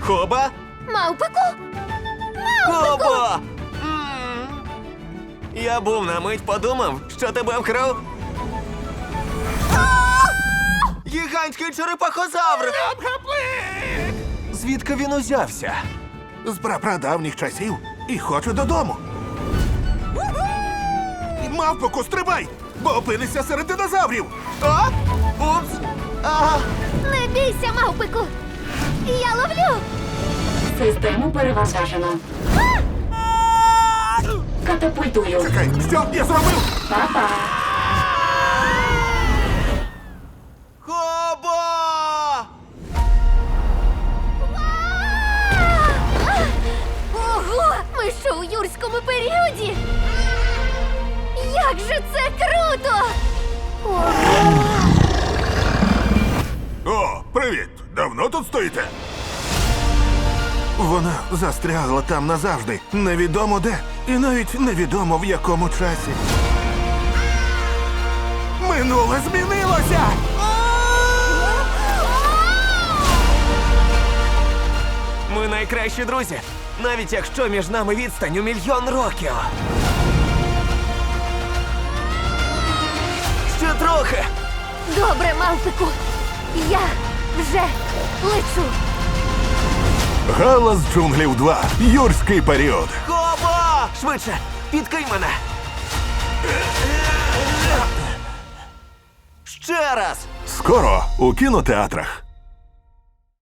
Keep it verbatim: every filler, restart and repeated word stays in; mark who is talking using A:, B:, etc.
A: Хоба?
B: Мавпику?
A: Хоба! М. Я був на мить подумав, що тебе вкрав. Гігантський черепахозавр! Звідки він узявся?
C: З прапрадавніх часів і хочу додому. Мавпоку, стрибай, бо опинишся серед динозаврів.
A: А? Упс! Ага!
B: Не бійся, мавпику! Я ловлю!
D: Систему перевантажено. Катапультую.
C: Чекай, що я зробив?
D: Па-па.
A: Хоба!
B: Ого! Ми що у юрському періоді? Як же це круто! Ого!
C: О, привіт! Давно тут стоїте? Вона застрягла там назавжди. Невідомо де. І навіть невідомо в якому часі. Минуле змінилося!
A: Ми найкращі друзі, навіть якщо між нами відстань у мільйон років. Ще трохи.
B: Добре, мавпику! Я вже лечу!
C: Галас джунглів два. Юрський період.
A: Хоба! Швидше, підкинь мене. Ще раз.
C: Скоро у кінотеатрах.